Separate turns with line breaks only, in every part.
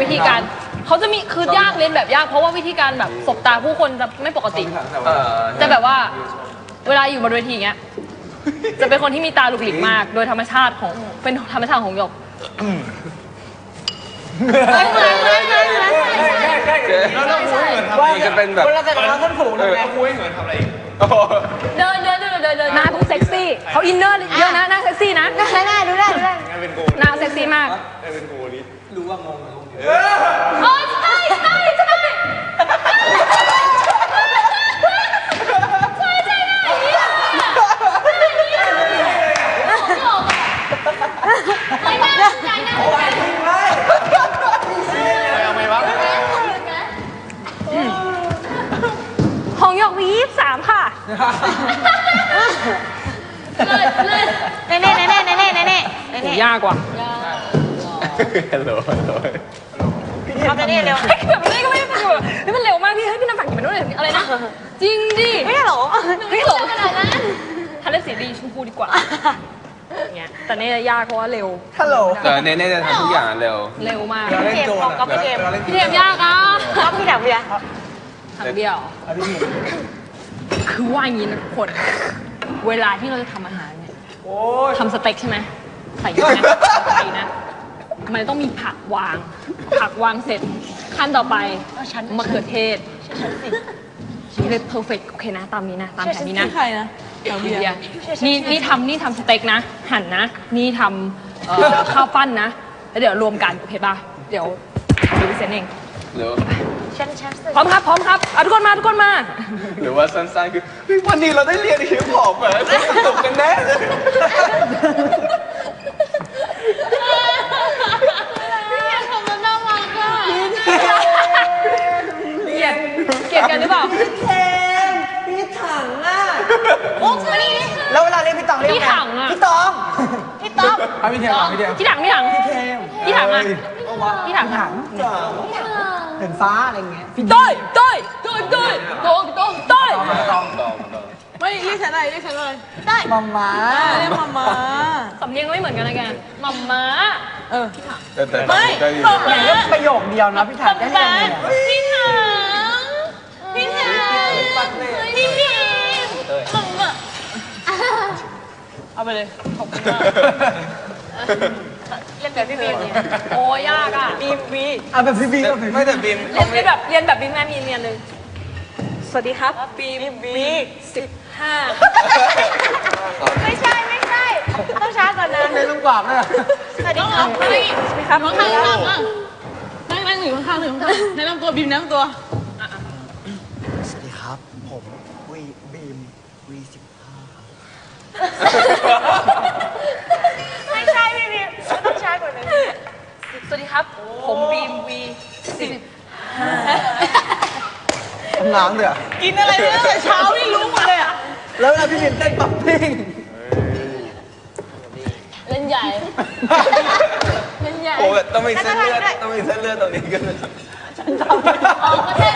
วิธีการเขาจะมีคือยากเรียนแบบยากเพราะว่าวิธีการแบบสบตาผู้คนจะไม่ปกติจะแบบว่าเวลาอยู่บนเวทีเงี้ยจะเป็นคนที่มีตาหลุกหลิกมากโดยธรรมชาติของเป็นธรรมชาติของหยก
มันจะเป็นแบบ
เราจะทำท่านผูกเลยคุยเหมือนทำอะไร
เดินหน้าต้องเซ็กซี่เขาอินเนอร์เยอะนะหน้าเซ็กซี่นะ
ได้ดูได้
หน้าเซ็กซี่มาก
เป็นกูนี่รู้ว่างงเลย
โอ้ยใช่ของหยกมี23ค่ะ
เน่
ยากกว่า
ฮัลโหล
เอาไปนี่เร็ว
เฮ้ยแบบนี้ก็ไม่ได้แบบเฮ้ยมันเร็วมากพี่เฮ้ยพี่น้ำฝักกินไปด้วยอะไรนะจริงดิ
ไม่ได้หรอ
ไม่หลงขนาดนั้นทันเล่นสีดีชมพูดีกว่าเงี้ยแต่เนี่ยยากเพราะว่าเร็ว
ฮัลโหล
เน่จะทำทุกอย่างเร็ว
มาก
เกมของกับเกม
พี่เทมยากอ่ะ
ครับพี่ถังเบียร์
ถังเบียร์คือว่าอย่างนี้นะทุกคนเวลาที่เราจะทำอาหารเนี่ยทำสเต็กใช่ไหมใส่เยอะนะใส่นะมันต้องมีผักวางเสร็จขั้นต่อไปมะเขือเทศนี่เลยเพอร์เฟกต์โอเคนะตามนี้นะตามแผนนี้นะ
ใครนะถังเบียร์
นี่ทำสเต็กนะหั่นนะนี่ทำข้าวปั้นนะแล้วเดี๋ยวรวมกันโอเคป่ะเดี๋ยวดูวิเศษเองพร้อมครับทุกคนมา
หรือว่าสั้นๆคือวันนี้เราได้เรียนฮิปฮอปแบบสนุกกันแน่เลย
เกลียดกันหรือเปล่า
พี่ถังอ่ะ
โอ้มานี่
แล้วเวลาเรียกพี่ตองเรียก
พี่ถังอ่ะ
พี่ตอง
พี่ต๊อบ
พี่เทม
พี่ถังอ่ะพี่ถัง
เห็นฟ้าอะไรเงี้ย
พี่ต้อย
ไม่เรียกฉันอะไรได้
มัมมา
เรียกมัมมา
สำเนียงไม่เหมือนกันนะแกมัมม้า
แต่
ไม่
อย่างก็ประโยคเดียวนะพี่ถังได้ยังไง
พี่ถังมัมมา
เอาไปเลยขอบคุณมากเล่นแบบพี่บีมโอ้ยากอ่ะ
บี
เอาแบบพี่บีก็
ไม่แต่บีม
เรียนแบบบีมแม่มีเรียนเลยสวัสดีครับบี15
ไม่ใช่ต้องช้าก่อนนะ
เล่นลูกกวาดเลย
สวัสดีครับ
น้องข้างนั่งอยู่ข้างแนะนำตัวบีมแนะนำตัว
สวัสดีครับผมบีมV15ครับ
ไม่ใช่พี่บีมต้องช้ากว่านั้น
สวัสดีครับผมบีมV15
น้ำเดือด
กินอะไรเนี่ยตั้งแต่เช้านี่รู้หมดเลยอ่ะ
แล้วเวลาพี่บีมเต้นปั๊บปิ้ง
เล่นใหญ่
โอ้ต้องมีเส้นเลือดตรงนี้กัน
ฉันทำไม่ใช่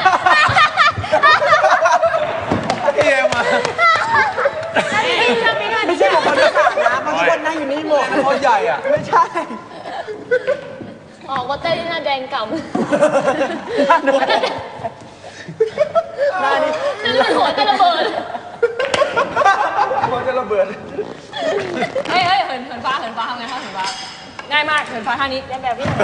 พี่เอ็มอ่ะ
ไม่ใช่ของคนที่ขาดนะเพราะทุกคนนั่งอยู่นี่หมด
คนใหญ่อ่ะ
ไม่ใช่
ก็เต้นที่หน้าแดงกำ
หน้านี่
หัวจะระเบิดเฮ้ยเหินฟ้าทำไงคะเหินฟ้าง่ายมากเหินฟ้าท่านี้เล่นแบบพี่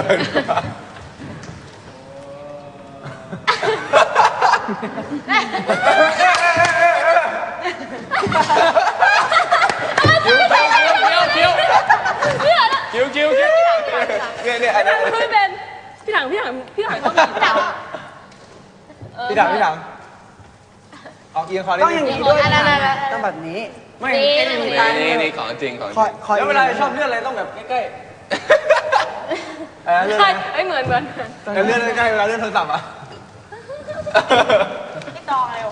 คิวเนี่ยอันนี้
ไม่เป็นพี่ถังต้องมี
พี่ถังออกเอียงคอต้องอย่างนี้ด้วยต้องแบบนี้ไม่
นี่ของจริง
แล้วเวลาชอบเลื่อนอะไรต้องแบบใกล้
ใช่เหมือน
เลื่อนใกล้เวลาเลื่อนโทรศัพท์อ่ะ
พี่ตองเร็ว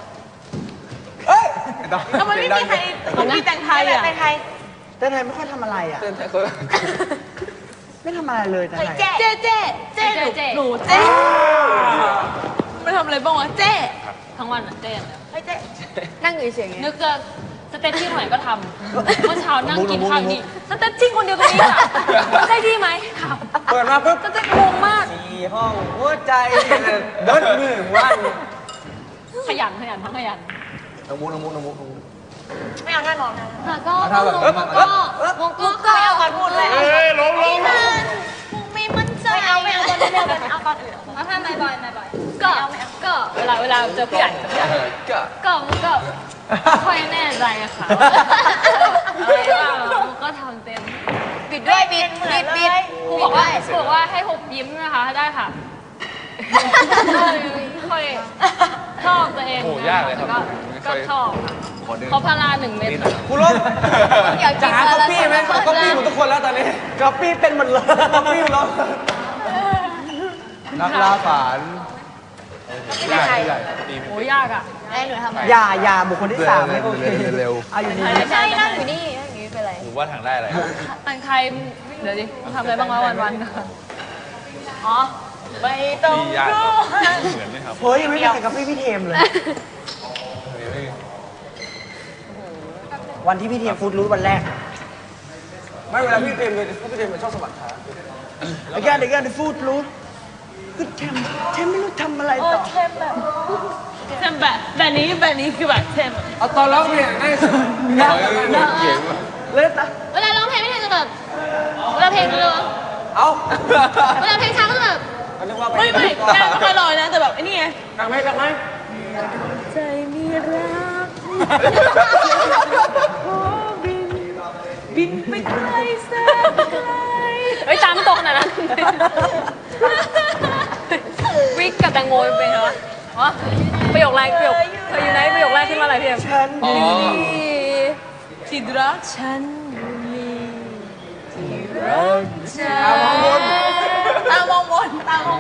ทำไม
ไม่มีใครมีแต่งไทยอ่ะแต่งไทย
ไม่ค่อยทำอะไรอ่ะ
เต้นไทยคน
ไม่ทำอะไรเลยแต่ไหน
เจ๊หนูเจ๊ไม่ทำอะไรบ้างวะเจ๊
ทั้งวันเจ๊
เจ๊นั่งอยู่เฉย
นึกจะสเตตชิ่งไหนก็ทำเมื่อเช้านั่งกินข้าวนี่สเตตชิ่งคนเดียวกันนี้อ่ะใช่ที่ไหมครับ
เปิดมาปุ๊บ
สเตตงงมาก
ห้องหัวใจเดินมือวัน
ขยันทั้งขยัน
น้องมุก
ไม่เอาแน่นอนนะ
ค่ะก็
ถ้าแบบ
มุกก็
ไม่เอาก่อนพูดเลย
ลง
ไม่มั่นใจไม่เอาก่อนเดียวกันเอาก่อนอื่น
เอาท่าไม่บ่อยก็เวลาเจอผู้ใหญ่ ก็ค่อยแน่ใจอะค่ะอะไรว่ามุกก็ทำเต็ม
บิดด้วยบิด
ครูบอกว่าให้หุบยิ้มนะคะได้ค่ะค่อยชอบตัวเอง
โอ้ยากเลยครับ
ก็ชอบเขาพารา1 เม็ด
กูลบจะหาก๊อปปี้ไหมก๊อปปี้หมดทุกคนแล้วตอนนี้ก๊อปปี้เป็นหมดเลยก๊อปปี้หมดแล้วนักล่าฝัน
โอ้ยากอ่ะ
ไอ้หนูทำอะไร
อย่าบุคคลที่3ไม่โอเคเร็วเอาอยู่นี่
ไม่ใช่นั่งอยู่นี่นั่งอยู่นี่เป็นไร
ผมว่าทางได้อะไร
อันใครเดี๋ยวดิทำอะไรบ้างวะวัน
อ๋อไม่ต้อง
ยาก
รู้
เหมือนไหมครับ
เฮ้ยยังไม่มีใครก๊อปปี้พี่เทมเลย วันที่พี่เทมฟูดรูทวันแรก
ไม่เวลาพี่เตรียมเลยพี่เตรียมชอบสมัครขา
again the food รู้คือเทมไม่รู้ทำอะไรต่อ
เทมแบบ
เทมแบบนี้คือแบบเทม
เอาตอนร้องเพลงได้สุดเขียนว่า
เล่นนะ
เวลาร้องเพลงไม่ใช่จะแบบเวลาเพลงเร็ว
เอา
เวลาเพลงช้าก็จะแบบ
ไม่นางไม่ค่อยลอยนะแต่แบบไอ้นี่ไง
ดังไหม
ใจมีรักบินไปไกลแสนไกล
เฮ้ยตามไม่ตกขนาดนั้นวิกกับแตงโมเป็นไงวะอ๋อประโยคแรกเธออยู่ไหนประโยคแรกขึ้นมาอะไรพี่เอ็ม
ฉัน
ที่รักฉันมีที่รักฉัน
ตามองบน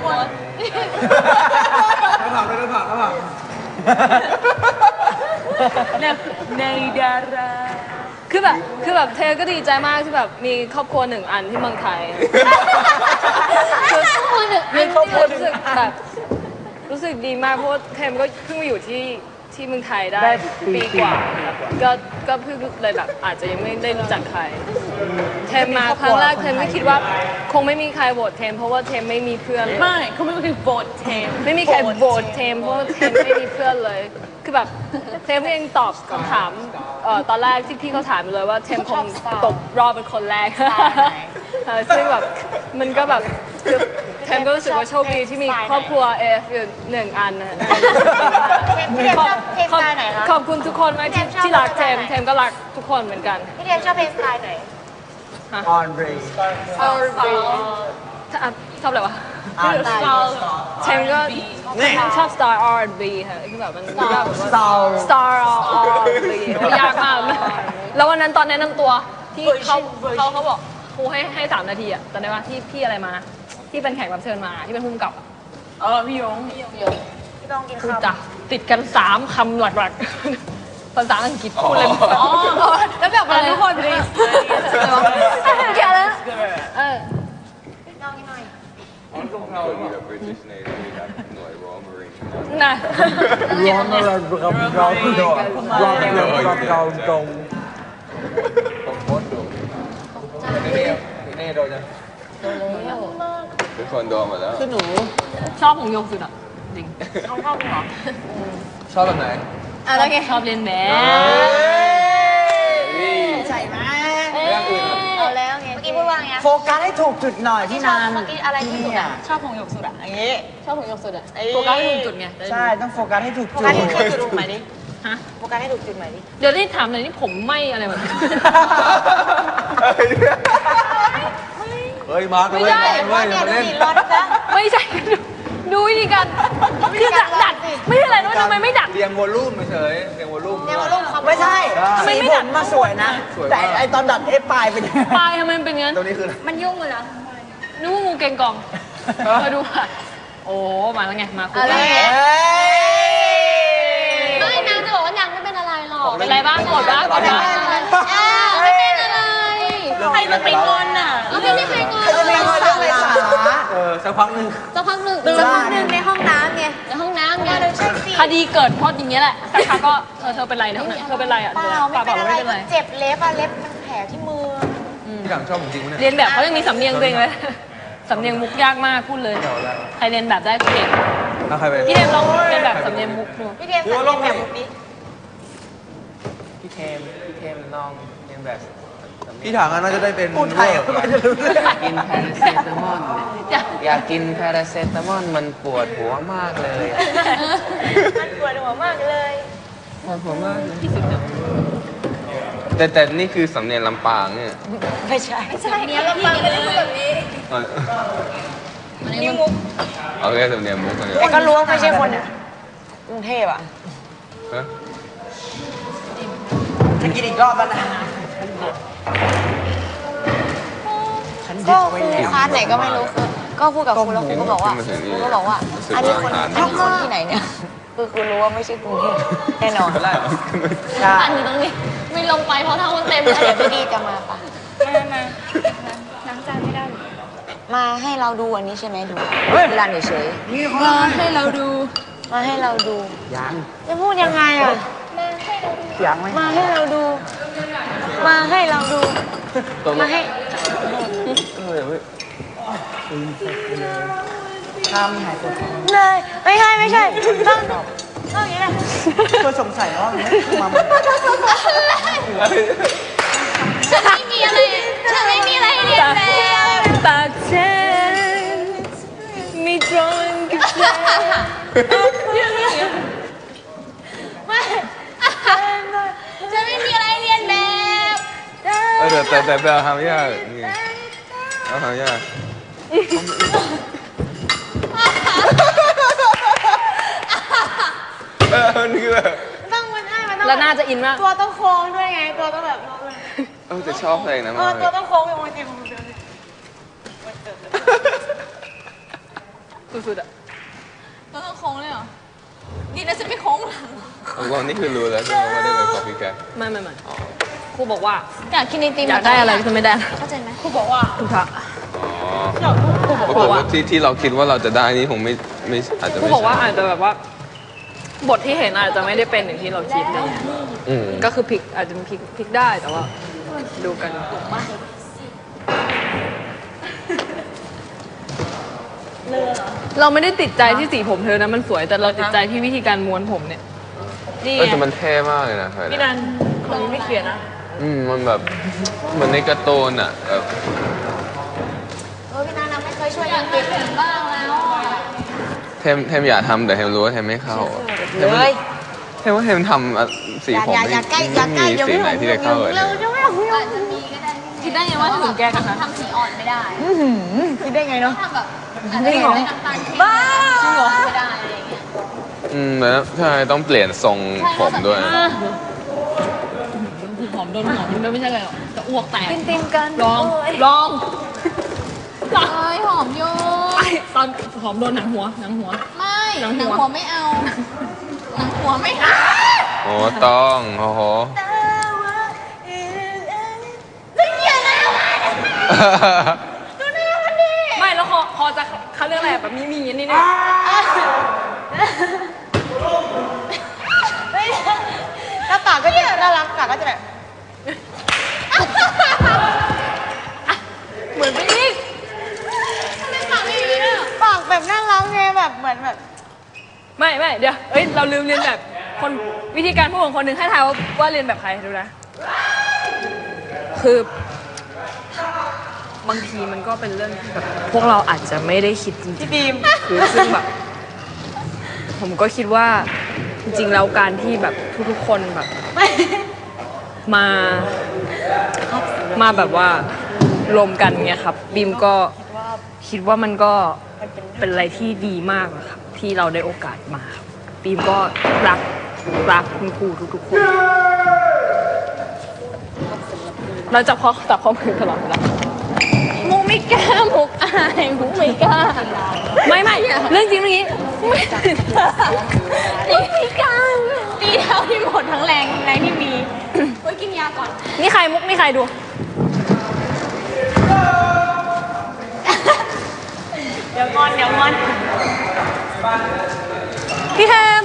ในดาราคือแบบเธอก็ดีใจมากที่แบบมีครอบครัว1 อันที่เมืองไทยคือมีครอบครัวรู้สึกแบบรู้สึกดีมากเพราะว่าเทมก็เพิ่งมาอยู่ที่เมืองไทยได้ปีกว่าก็เพิ่งเลยแบบอาจจะยังไม่ได้รู้จักใครเทมมาครั้งแรกเทมไม่คิดว่าคงไม่มีใครโหวตเทมเพราะว่าเทมไม่มีเพื่อน
ไม่เขาไม่คือโบดเทม
ไม่มีใครโหวตเทมเพราะว่าเทมไม่มีเพื่อนเลย คือแบบเทมเองตอบคำถามตอนแรกที่พี่เขาถามเลยว่าเทมคงตกรอบเป็นคนแรกซึ่งแบบมันก็แบบคือเทมก็รู้สึกว่าโชคดีที่มีครอบครัวเอฟอยู่1 อันนะขอบคุณทุกคนมากที่รักเทมก็รักทุกคนเหมือนกัน
พี่เทมชอบเพลงสไตล์ไหน
ออนเรย์
ชอบอะไรวะเทมก็ชอบ Star R&B ค่ะคือแบบมันก็แบบว่า Star R&B ยากมากแล้ววันนั้นตอนแนะนำตัวที่เขาบอกครูให้3 นาทีอะจำได้ว่าที่อะไรมาที่เป็นแขกรับเชิญมาที่เป็นผู้กำกับพี่ยง
พี่ต้องกิน
พูด
ข้าว
จ้ะติดกัน3 คำหลักๆภาษาอังกฤษพูดเลยแล้วแบบอะไรทุกคนเลยแค่แล้ว
พี่ต้องกินหน่อย
British Navy ครับหน่วย Royal Marine
นะ
ร้อนอะไรเราตรง
ผมโคตรดุนี่โดนยัง
ทุกคนโดนหมดแล้ว
ชอบของโยงสุดอ่ะจริง
เขาเข้าเหรอ
ชอบแบบไหน
แล้วไง
ชอบเรียนแบบ
ใช่ไหม
เรื่องอื่น
เอาแล้วไงเมื่อกี้พูดว่าไง
โฟกัสให้ถูกจุดหน่อยที่นาน
เมื่อกี้อะไรที่สุดอ่ะชอบของหยกสุดอ่ะอย่างงี้
ชอบของโยงสุดอ่ะโฟกัสให้ถูกจุดไง
ใช่ต้องโฟกัสให้ถูก
โฟ
จุ
กั
ด
สให้ถูกจุดใหม่ดิ
ฮะ
โฟกัสให้ถูกจุดใหม่ดิ
เดี๋ยวนี่ถามหน่อยนี่ผมไหมอะไรแบบนี้
เฮ้ยมาร์ค
ไม่ได้
เว้ยมาเล่น
รถนะ
ไม่ใช่ดูวิธีการคือดัดไม่ใช่อะไรนะทำไมไม่ดัด
เรียงวอลลุ่มเฉยเรียงวอลลุ่ม
เนี่ยมาลงคำ
ไม่ใช่
ทำไมไม่ดัด
สีผมาสวยนะ แต่ไอตอนดัดปลายเป็นยังไง
ปลายทำไมมันเป็นงั้น
ตรงนี้คืออะไร
มันยุ่งเลยนะนึกว่างูเกงกองมาดูค่ะโอ้มาแล้วไงมาคู่
อะไร
กันไม่นางจะบอกว่านางไม่เป็นอะไรหรอกเป็นอะไรบ้างกดบ้างกดบ้างไม่เป็นอะไร
ใครจะไปงอนอ่ะ
เราไม่มีใครงอน
เขาจะเรียกว่าเรื่องไรสาระ
สักพักหนึ่ง
สักพักหนึ่ง
สักพักหนึ่งในห้องน้ำไง
ในห้องน้ำไง
ใช่สิ
คดีเกิดเพราะอย่างเงี้ยแหละสักพักก็เธอเป็นไรนะเธอเป็นไรอ่ะ
เปล่าไม่เป็นอะไร
ไม่เป็น
ก็
ไร
เจ็บเล็บอะเล็บมันแผลที่มือ
พี่หลังชอบผมจริงปะเนี่ย
เรียนแบบเขายังมีสำเนียงตัวเองเลยสำเนียงมุกยากมากพูดเลย ใครเรียนแบบได้เก่ง
ถ้าใครไป
พี่เทมลองเรียนแบบสำเนียงมุกดู
พี่เทมสั่งแบบนี้
พี่เทมลองเรียนแบบพี่ถังน่าจะได้เป็น
พูดไทยอะไม่จะรู้เรื่อง
กินพาราเซตามอลอยากกินพาราเซตามอลมันปวดหัวมากเลย
มันปวดหัวมากเลย
ปวดหัวมากเลยแต่นี่คือสำเนียงลำปางเนี่ย
ไม่ใช่เนี้ยเราฟังกันแบบนี้
นี่มุก
เอาแค่สำเนียงมุกกันเลย
แต่ก็รู้ว่าไม่ใช่คนกรุงเทพอ่ะ
ฮะ
จะกินอีกรอบแล้วนะฉันยึ
ก็
ดไว้แล้ว
คลาสไหนก็ไม่รู้คือก็พูดกับครูแล้วครูก็บอกว่าครูก็บอกว่า อันนี้คนที่ไหนเนี่ยคือครูรู้ว่าไม่ใช่กรุงเทพแน่นอน
ใช่
อันอยู่ตรงนี้ ไม่ลงไปเพราะถ้ามันเต็ม
แล้วเดี๋ยวพี่ดีจะมาปะ
มาล้างจานไม่ได้
มาให้เราดูอันนี้ใช่ไหมดูเวลาเฉย
นี่เขา
มาให้เราดู
ๆมาให้เราดู
ยัง
จะพูดยังไงอ่ะ
ยังไหม
มาให้เราดู มาให้เราดู มาให้
ข้ามหายปวดท้อง
เลยไม่ใช่ต้องอย่างนี้นะ
เพื่อสงสัยว่าอันนี้คือมา
ฉันไม่มีอะไรให้เรียนแล้วปากฉันมีตรงกับเธอ
จะไม่มีอะไรเรียนแบบ
แต่ไปเอาทำยากนี่เอาทำยากนี่คือแบบ
ต้องมันให้มันต้อง
แล้วน่าจะอินมาก
ตัวต้องโค้งด้วยไง ตัวต้องแบบ
จะชอบเพลงนะมากเล
ตัวย ต้องโค้งอย่างวันที่
สุดๆอะ
ตัวต้องโค้งเลยเหรอดีนะฉันไม่โค้งหลัง
เรานี่คือรู้แล้วใช่ไหมว่าได้เป็นคอฟฟี่แก
ไม่ครูบอกว่า
อยากกินไอติม
อยากได้อะไรก็จะไม่ได้
เข้าใจไหม
ครูบอกว่าถูกทะ
อ๋อปรากฏว่าที่เราคิดว่าเราจะได้นี่คงไม่อาจจะ
ครู
ไม่
บอกว่า
ใช่
อาจจะแบบว่า บทที่เห็นอาจจะไม่ได้เป็นอย่างที่เราคิดอะไรเงี้ย
อืม
ก็คือพลิกอาจจะพลิกได้แต่ว่า ดูกัน เราไม่ได้ติดใจที่สีผมเธอนะมันสวยแต่เราติดใจที่วิธีการม้วนผมเนี่ยนี่
แต่มันเท่มากเลยนะ
พี่นันคนนี้ไม่เขียนนะ
มันแบบเหมือนในการ์ตูนอ่ะแบบ
พี่นาไม่เคยช่วยยังเก็บถึงบ้างแล้ว
เทมอยากทำแต่เทมรู้ว่าเทมไม่เข้าเทม
เลย
เทมว่าเทมทำสีผมไม่มีสีไหนที่จะเข้าเลย
เราจะไม่เอา
คิดได้ไงว่าถึงแกกันนะ
ทำสีอ่อนไม่ได้คิดได้ไงเนาะ
จริงเหรอ
บ้า
จริงเหรอ
ไม่ได้อะไรอย่างเงี้ย
แล้วใช่ต้องเปลี่ยนทรงผมด้วย
หอมโดนหอมมันไม่ใช่อะไรหรอกจะอ้วกแตก
ติมกัน
ลอง
เอ้ยหอมโย
ตอนหอมโดนหนังหัว
ไม่
หนังหัว
หนังหัวไม่เอาหนังหัวไม่เอา
โอ้ต้องโอ้โห
ไม่เกี่ยวนะ
ไม่แล้วคอจะเขาเรื่องอะไรแบบมีอย่างนี้เนี่ย
แล้วปากก็จะน่ารักปากก็จะแบบ
เหมือนไปอีก
ปากแบบน่ารักไงแบบเหมือนแบบ
ไม่เดี๋ยวเอ้ยเราลืมเรียนแบบคนวิธีการพูดของคนหนึ่งให้ทายว่าเรียนแบบใครดูนะคือบางทีมันก็เป็นเรื่องที่แบบพวกเราอาจจะไม่ได้คิดจริงๆพี่บีมคือซึ่งแบบผมก็คิดว่าจริงๆแล้วการที่แบบทุกๆคนแบบมาแบบว่ารวมกันเนี่ยครับบีมก็คิดว่ามันก็เป็นอะไรที่ดีมากอะครับที่เราได้โอกาสมาครับบีมก็รักคุณครูทุกๆคนเราจับข้อมือตลอดเวลามุกไม่กล้ามุกอายมุกไม่กล้าไม่เรื่องจริงเรื่องนี้ไม่กล้าตีเท่าที่หมดทั้งแรงที่มีไว้กินยาก่อนนี่ใครมุกนี่ใครดู
เดี๋ยวงอน
พี่แฮม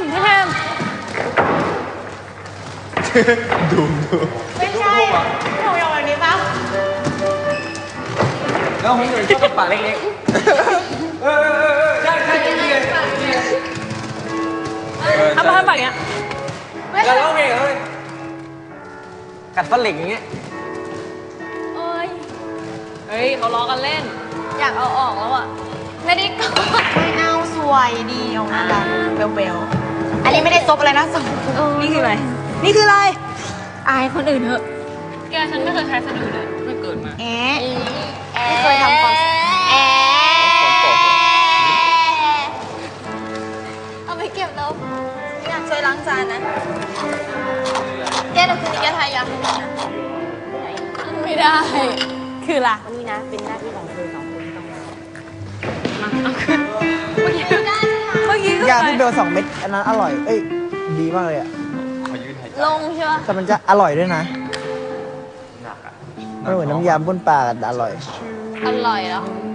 ไม่ใช่หนูอย่างแบบนี้ปะ
แล้วผมอยู่ชอบปากเล็ก
ทำมาทำแบบเนี้ย
เราร้องเพลงเหรอเฮ้ยกัดฟันเหล็กอย่างเงี้ย
เฮ้ยเขาล้อกันเล่น อยากเอาออกแล้วอ่ะ
ไม่ได้กอดไม่เอาสวยดีออกมาแบบเบลๆอันนี้ไม่ได้ซบอะไรนะซบ
นี่คืออะไร
นี่คืออะไร
อายคนอื่นเถอะ แกฉันไม่เคยใช้สะดือเลยไม่เกิดมา
แอะไม่เคยทำความแอะเอาไปเก็บแล้วอยากช่วยล้างจานนะแกเดี๋ยวคืนนี้แกทายยาให้หน่อยนะ
ไม่ได้ คือล่ะ
นี่นะเป็นหน้าที่ของเธอสองคนที่ต้องมา
เอาขึ้นเมื่อกี้ก็
ยาที่เบล2 เม็ดอันนั้นอร่อย เอ้ย ดีมากเลยอ่ะ
ลงใช่ปะ
แต่มันจะอร่อยด้วยนะไม่เหมือนน้ำยำบ้วนปลาแต่อร่อย
อร่อยเหรอ